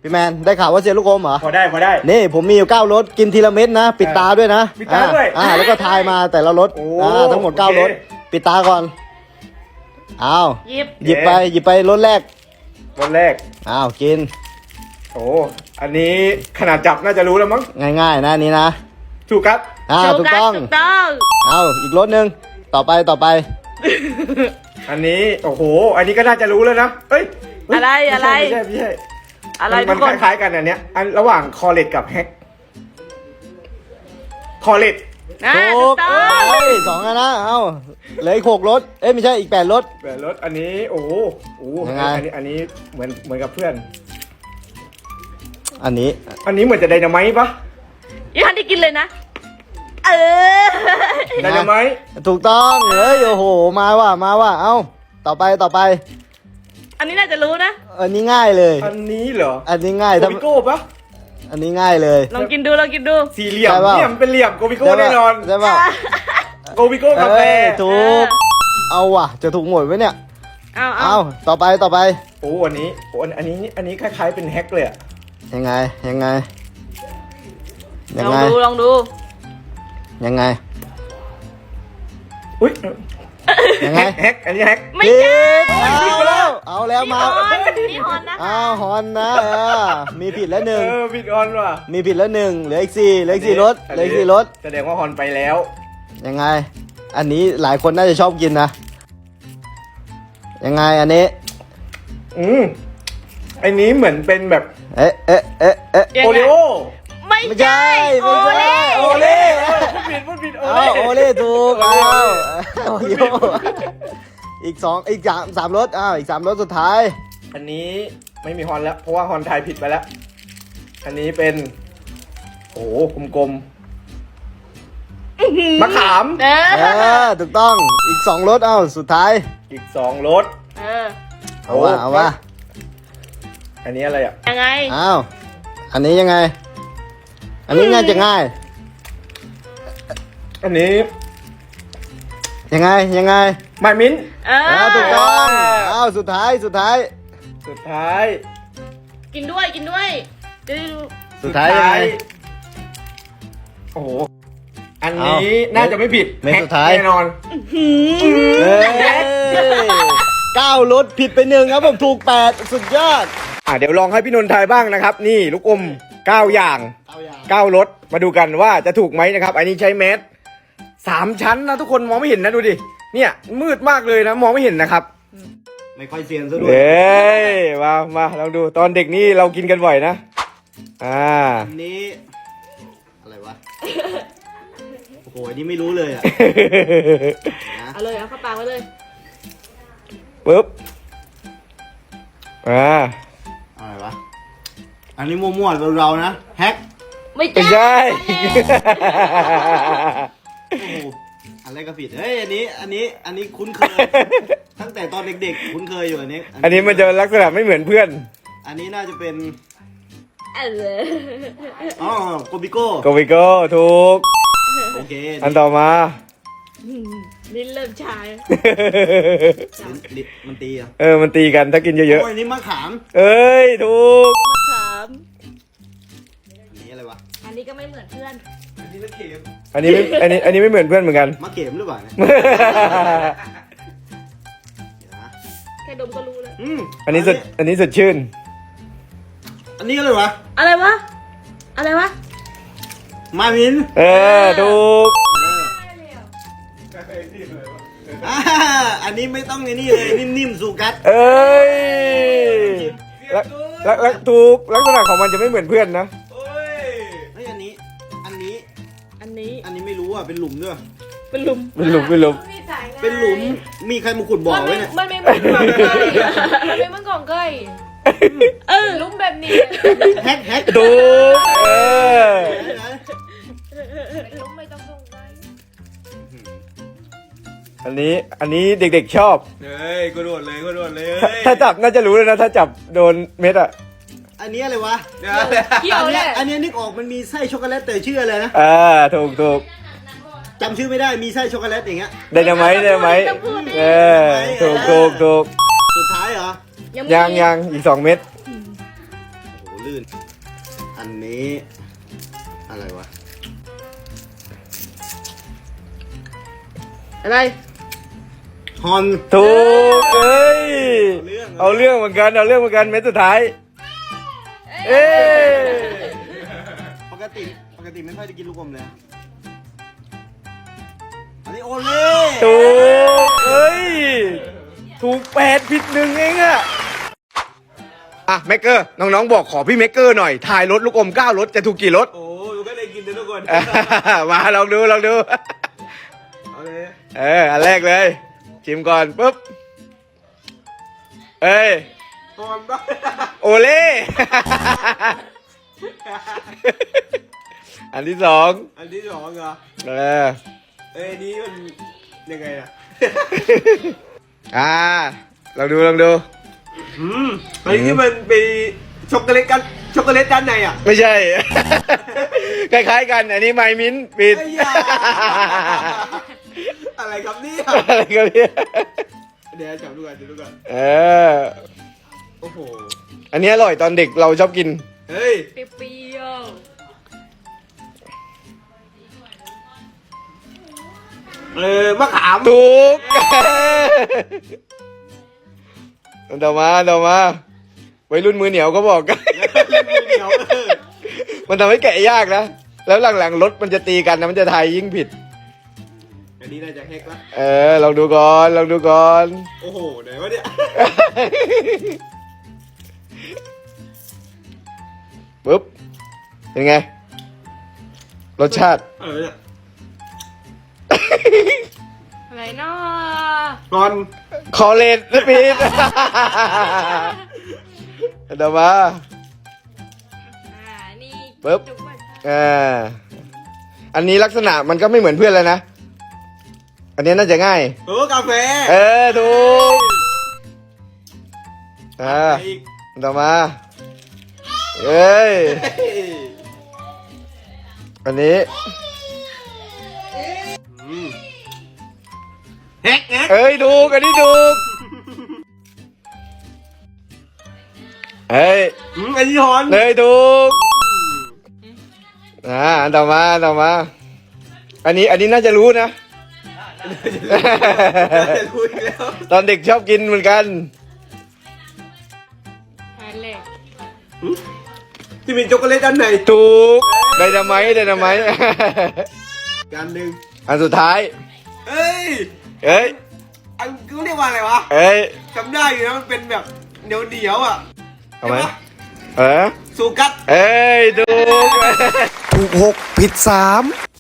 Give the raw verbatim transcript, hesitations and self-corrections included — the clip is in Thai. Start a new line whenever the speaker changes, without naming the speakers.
พี่แมนได้ข่าวว่าเซียนลูกอมเหรอ
พอได้พอได้
นี่ผมมีอยู่เก้ารสกินทีละเม็ดนะปิดตาด้วยนะ
ปิดตาด้วย
อ่าแล้วก็ทายมาแต่ละรส
โอ้
อ่าทั้งหมดเก้ารส
โอเค
ปิดตาก่อนอ้าว
หยิบ
หยิบไปหยิบไปรสแรก
วันแรก
อ้าวกิน
โอ้อันนี้ขนาดจับน่าจะรู้แล้วมั้ง
ง่ายๆนะอันนี้นะ
ถูกครับ
อ่า
โช
ถูก
กัส
ต้อง
ถูกต้อง
เอาอีกรสหนึ่งต่อไปต่อไป
อันนี้โอ้โห อันนี้ก็น่าจะรู้แล้วนะเอ้ยเฮ้ย
อะไรอะไร
ไม่ใช่ไม่ใช่
อะไร
มั
ทุ
น
กคน
คล้ายๆกันอันเนี้ยอันระหว่างคอเลตกับแฮกคอเลต
อ่า
ถู
ถู
ก
กต้อง
เอ้ยสองอันนะเอาเหลืออีกหกรสเอ้ยไม่ใช่อีกแปดรส
แบบรถอันนี้โอ้โหโอ้โห
ยังไง
อันนี้อันนี้เหมือนเหมือนกับเพื่อน
อันนี้
อันนี้เหมือนจะไดนาไมต์ปะ
ยังทันได้กินเลยนะ เออ
ไดนาไมต์
ถูกต้องเฮ้ยโอ้โหมาว่ะมาว่ะเอ้าต่อไปต่อไป
อันนี้น่าจะรู้นะ
อันนี้ง่ายเลย
อันนี้เหรอ
อันนี้ง่าย
โก
ถ้า
บิโก้ปะ
อันนี้ง่ายเลย
ลองกินดูลองกินดู
สี่เหลี่ยม
ใช่ปะ
เนี่ยมันเป็นเหลี่ยมโกบิโก้
ใช่
แน่
ปะ
นอน
ใช่ป่ะ
โกบิโก้กาแฟ
เอ้ยถูกเอาว่ะจะถูกหมดไหมเนี่ย
เอาเอา
เอาต่อไปต่อไป
โอ้อันนี้โอ้อันอันนี้อันนี้คล้ายๆเป็นแฮกเลยอะ
ยังไงยังไงยั
ล
ง
อง
ไง
ดูลองดู
ยังไง
อุ้ย
ยังไง
แฮกอันนี้แฮก
ไม่
ผิ
ใช่
ดเอาแล้วเอาแล้ว
นี่
มา
ฮอนนี่ฮอนนะ
อ้าวฮอนนะเออมีผิดแล้วห
เอ
นึ่ง
อบิดออนว่ะ
มีผิดแล้วหนึ่งเหลืออีกสี่เหลืออีกสี่รถเหลืออีกสี่รถ
แสดงว่าฮอนไปแล้ว
ยังไง อันนี้หลายคนน่าจะชอบกินนะยังไงอันนี้
อืมอันนี้เหมือนเป็นแบบ
เอ๊ะเอ๊ะเอ๊ะเอ๊ะ
ยัง
โอ
ไง
ริโอ
ไม่
ไม่ใช่
ใช่โอ
ไม่ใช่
เล่
โอเล่พูดผิดพูดผิดโอ
เอา
เล่
โอเล่ถูกเอาโอ้โหอีกสองอีกสามสามรถอ้าวอีกสามรถสุดท้าย
อันนี้ไม่มีฮอนแล้ว เพราะว่าฮอนทายผิดไปแล้ว อันนี้เป็น โอ้โหกลมๆมะขาม
เอ
เอ
อ
อถูกต้องอีกสองรถเอ้าสุดท้าย
อีกสองรส
เออ
เอาว่าเอาว่า
อันนี้อะไรอ่ะ
ยังไง
อ้าวอันนี้ยังไง อันนี้ง่ายจะง่าย
อันนี้
ยังไงยังไง
ไมมิ้นท์
เอ
อ้าวถูก
อ
ต้องอ้าวสุดท้ายสุดท้าย
สุดท้าย
กินด้วยกินด้วยจะได้รู้
สุดท้ายยังไง
โอ้โห อันนี้น่าจะไม่ผิด
เม็ด
แฮก
สุดท้าย
แน่นอน
หืม
เอ้ยเก้ารถผิดไปหนึ่งครับผมถูกแปดสุดยอด
อ่ะเดี๋ยวลองให้พี่นนท์ทายบ้างนะครับ นี่ลูกอมเก้าอย่าง
เอาอย่าง
เก้ารสมาดูกันว่าจะถูกไหมนะครับ อันนี้ใช้แมสสามชั้นนะทุกคนมองไม่เห็นนะดูดิ เนี่ยมืดมากเลยนะมองไม่เห็นนะครับ
ไม่ค่อยเซียนซะด้ว
เอย ้ยมามาลองดูตอนเด็กนี่เรากินกันบ่อยนะ อ่า
อันนี้ อะไรวะ โอ้โหอันนี้ไม่รู้เลยอ่ะ
เอาเลยเอาเข้าปากไว้เลย
ปึ๊บ อ่า
อะไรวะ อันนี้มั่วๆเราๆนะ แฮก
ไม่
ไม่
ใช่
ใช่
โอ้โหอะไรก็ผิด เฮ้ย อันนี้ อันนี้ อันนี้คุ้นเคย ตั้งแต่ตอนเด็กๆ คุ้นเคยอยู่อันนี้
อันนี้มันจะลักษณะไม่เหมือนเพื่อน
อันนี้น่าจะเป็น
เออ
อ๋อโกบิโก้
โกวิโก้ถูก
โอเค
อันต่อมา
นี่เริ่มชาย
ลิ้นลิ้นมันตีอ่ะ
เออมันตีกันถ้ากินเยอะ
โอ้ยนี่มะขาม
ๆ เอ้ยถูก
มะขาม
อันนี้อะไรวะ
อันนี้ก็ไม่เหมือนเพื่อน
อันนี้มะเข็ม
อันนี้ไม่อันนี้อันนี้ไม่เหมือนเพื่อนเหมือนกัน
มะเข็มหรือเปล่าเนี่ยเดี๋ยวนะ
แค่ดมก็รู้แล้ว
อืม
อันนี้สดอันนี้สดชื่น
อันนี้อะไรวะ
อะไรวะ อะไรวะ
มาวิน
เออถูก
อ่าอันนี้ไม่ต้องไอ้นี่เลยนิ่มๆสูกัด
เอ้ยลักลักลักถูกลักษณะของมันจะไม่เหมือนเพื่อนนะ
เฮ้ยอันนี้ อันนี้
อันนี้
อันนี้ไม่รู้อ่ะเป็นหลุมด้วย
เป็นหลุม
เป็นหลุมเป็นหลุม
เป็นหลุมมีใครมาขุดบ่อ
มัน
ไว้
ไม่
เนี่ย
มันไม่เหมือนของเกยมันไม่เหมือนของเกย
เออ
ลุ้มแบบนี้
แฮกแฮก
ถูกเออ
ลุ้มไม่ต้องส่งไป
อันนี้อันนี้เด็กๆชอบ
เฮ้ยกูโดดเลยกูโดดเลย
ถ้าจับน่าจะรู้เลยนะถ้าจับโดนเม็ดอ่ะ
อันนี้อะไรวะ
เกี่ยวแหละ
อันนี้นึกออกมันมีไส้ช็อกโกแลตแต่ชื่ออะไรนะ
อ่าถูกถูก
จำชื่อไม่ได้มีไส้ช็อกโกแลตอย่างเงี้ย
ไดนาไมต์ไดนาไมต์เออถูกถูกถูก
สุดท้ายเหรอ
ยังยังอีกสองเม็ด
โอ้โหลื่น อันนี้อะไรวะ
อะไร
ฮอน
ถูกเอ้ย
เอา
เอา
เรื่อง
เรื่องเหมือนกันเอาเรื่องเหมือนกันเม็ดสุดท้ายเอ้ย
ปกติปกติไม่ค่อยได้กินลูกอมเลยอะอันนี้โอเล่
ถูกเอ้ยถูกแปดผิดหนึ่งเองอะอ่ะเมกเกอร์น้องๆบอกขอพี่เมกเกอร์หน่อยถ่ายรถลูกอมเก้ารถจะถูกกี่รถ
โอ้ยก็ได้กินนะทุกคน
มาลองดูลองดู
เอาเลย
เอออันแรกเลยชิมก่อนปุ๊บเอ้ย
ฮอนบ้า
โอเล่ อันที่สอง
อันที่สองเหรอ
เออ
เอ้ยอันนี้มันยังไงอะ
อ่าลองดูลองดู
อืมอันนี้มันเป็นช็อกโกแลตกันช็อกโกแลตด้านในอ่ะ
ไม่ใช่ คล้ายๆกัน อันนี้ไมมิ้นท์ปิด
ไอ้ยา อะไรครับเนี่ย
อะไรกันเนี่ย
เดี๋ยวจับดูก่อนจับดูก่อน
เออ
โอ้โห
อันนี้อร่อยตอนเด็กเราชอบกิน
เฮ้ย
เปรี้ยว
เออมะขาม
ถูก ต่อมาต่อมาวัยรุ่นมือเหนียวก็บอกกัน
เดี๋ยวเออ
มันทำให้แกะยากนะ แล้วหลังๆรถมันจะตีกันนะมันจะทายยิ่งผิด
อันนี้น่าจะแฮกละ
เออลองดูก่อนลองดูก่อน
โอ้โหไหนวะเนี่ย
ปุ๊บ เป็นไง รสชาติ
เออเนี่ย
ๆอะไรเนาะ
งอน
คอเลนสปีด เดี๋ยวมา
อ่านี่
ปึ๊บ
จุกไว้
อ่า อันนี้ลักษณะมันก็ไม่เหมือนเพื่อนเลยนะ อันนี้น่าจะง่าย
เออกาแฟ
เออถูกอ่า
อีก
ต่อมา เอ้ย
เฮ้ย
อันนี้
อืมแฮกแฮก
เอ้ยถูกอันนี้ถูกเอ้ย
อืมอันนี้ฮอน
เอ้ยถูกอ่าอันต่อมาอันต่อมา อันนี้อันนี้น่าจะรู้นะ
จะรู้อีกแล้ว
ตอนเด็กชอบกินเหมือนกัน
อันเล็ก
ที่มีช็อกโกแลตด้านใน
ถูกไดนาไมต์ไดนาไมต์
กันหนึ่ง
อันสุดท้าย
เอ้ย
เอ้ย
อันเขาเรียกว่าอะไรวะ
เอ้ย
จำได้อยู่นะมันเป็นแบบเดียวเดียวๆอ่ะ
เอาไหม
ใช่ปะ
เออ
สูกัด
เอ้ยถูก ถูกหกผิดสาม